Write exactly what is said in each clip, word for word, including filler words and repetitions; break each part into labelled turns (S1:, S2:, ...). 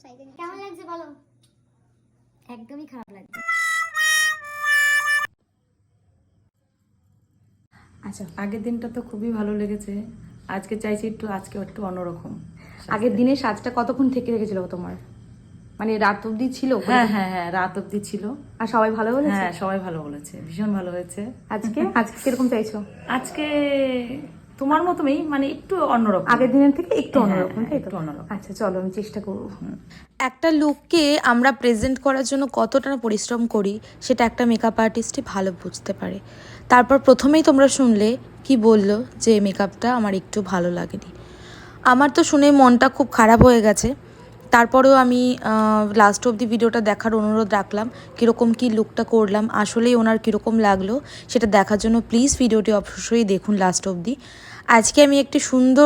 S1: কেমন লাগছে বলো? একদমই খারাপ লাগছে।
S2: আচ্ছা, আগের দিনটা তো খুবই ভালো লেগেছে, আজকে চাইছি একটু আজকে একটু অন্যরকম।
S3: আগের দিনের সাজটা কতক্ষণ থেকে রেখেছিল তোমার? মানে রাত অবধি ছিল?
S2: হ্যাঁ হ্যাঁ হ্যাঁ রাত অবধি ছিল।
S3: আর সবাই ভালো বলেছে?
S2: হ্যাঁ সবাই ভালো বলেছে, ভীষণ ভালো হয়েছে।
S3: আজকে আজকে কিরকম চাইছো?
S2: আজকে তোমার মতোই, মানে একটু অন্যরকম,
S3: আগের দিনের থেকে একটু
S2: হ্যাঁ,
S3: অন্যরকম,
S2: হ্যাঁ,
S3: তাই তো?
S2: একটু অন্যরকম।
S3: আচ্ছা চলো, আমি চেষ্টা করবো।
S4: একটা লুককে আমরা প্রেজেন্ট করার জন্য কতটা পরিশ্রম করি সেটা একটা মেকআপ আর্টিস্টই ভালো বুঝতে পারে। তারপর প্রথমেই তোমরা শুনলে কি বললো যে মেকআপটা আমার একটু ভালো লাগেনি। আমার তো শুনে মনটা খুব খারাপ হয়ে গেছে। তারপরেও আমি লাস্ট অবধি ভিডিওটা দেখার অনুরোধ রাখলাম, কীরকম কী লুকটা করলাম, আসলেই ওনার কীরকম লাগলো সেটা দেখার জন্য প্লিজ ভিডিওটি অবশ্যই দেখুন লাস্ট অবধি। আজকে আমি একটি সুন্দর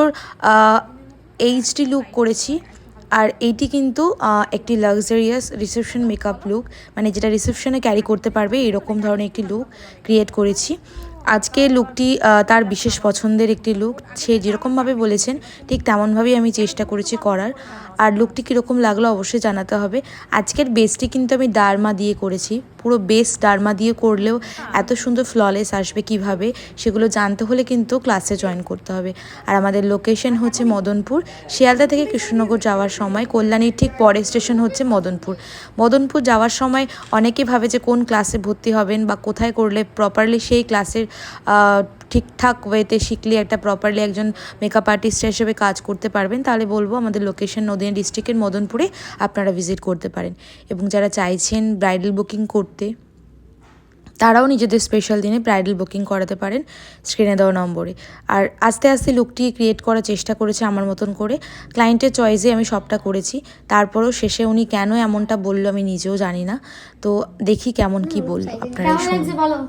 S4: এইচডি লুক করেছি, আর এইটি কিন্তু একটি লাক্সারিয়াস রিসেপশন মেকআপ লুক, মানে যেটা রিসেপশনে ক্যারি করতে পারবে এরকম ধরনের একটি লুক ক্রিয়েট করেছি। আজকে লুকটি তার বিশেষ পছন্দের একটি লুক, সে যেরকমভাবে বলেছেন ঠিক তেমনভাবেই আমি চেষ্টা করেছি করার। আর লুকটি কীরকম লাগলো অবশ্যই জানাতে হবে। আজকের বেসটি কিন্তু আমি ডার্মা দিয়ে করেছি, পুরো বেস ডার্মা দিয়ে করলেও এত সুন্দর ফ্ললেস আসবে কিভাবে সেগুলো জানতে হলে কিন্তু ক্লাসে জয়েন করতে হবে। আর আমাদের লোকেশন হচ্ছে মদনপুর, শিয়ালদা থেকে কৃষ্ণনগর যাওয়ার সময় কল্যাণীর ঠিক পরের স্টেশন হচ্ছে মদনপুর। মদনপুর যাওয়ার সময় অনেকেই ভাবে যে কোন ক্লাসে ভর্তি হবেন বা কোথায় করলে প্রপারলি সেই ক্লাসের ঠিকঠাক ওয়েতে শিখলে একটা প্রপারলি একজন মেকআপ আর্টিস্ট হিসেবে কাজ করতে পারবেন, তাহলে বলবো আমাদের লোকেশন নদিয়া ডিস্ট্রিক্টের মদনপুরে আপনারা ভিজিট করতে পারেন। এবং যারা চাইছেন ব্রাইডাল বুকিং করতে তারাও নিজেদের স্পেশাল দিনে ব্রাইডাল বুকিং করাতে পারেন স্ক্রিনে দেওয়া নম্বরে। আর আস্তে আস্তে লুকটি ক্রিয়েট করার চেষ্টা করেছে আমার মতন করে, ক্লায়েন্টের চয়েসে আমি সবটা করেছি। তারপরেও শেষে উনি কেন এমনটা বললো আমি নিজেও জানি না, তো দেখি কেমন কি বললো আপনারা
S1: কেমন লাগছে
S4: শুনুন।
S1: বলো?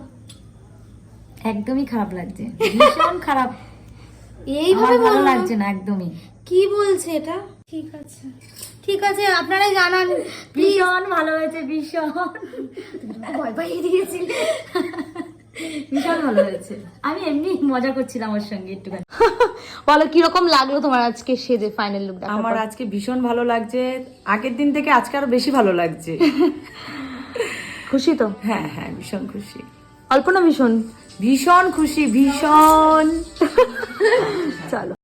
S3: একদমই খারাপ লাগছে, ভীষণ খারাপ।
S1: এইভাবে
S3: ভালো
S1: বলো?
S3: লাগছে না একদমই।
S1: কি বলছে এটা? ঠিক আছে ঠিক আছে, আপনারাই জানান প্লিজ।
S3: ভীষণ ভালো হয়েছে, ভীষণ
S1: ভয় পাইয়ে দিয়েছিলে।
S3: ভীষণ ভালো হয়েছে। আমি এমনি মজা করছিলাম ওর সঙ্গে একটুখানি। বলো কিরকম লাগলো তোমার আজকে সেজে ফাইনাল লুক?
S2: আমার আজকে ভীষণ ভালো লাগছে, আগের দিন থেকে আজকে আরো বেশি ভালো লাগছে।
S3: খুশি তো?
S2: হ্যাঁ হ্যাঁ ভীষণ খুশি।
S3: অল্প না ভীষণ?
S2: ভীষণ খুশি, ভীষণ।
S3: চলো।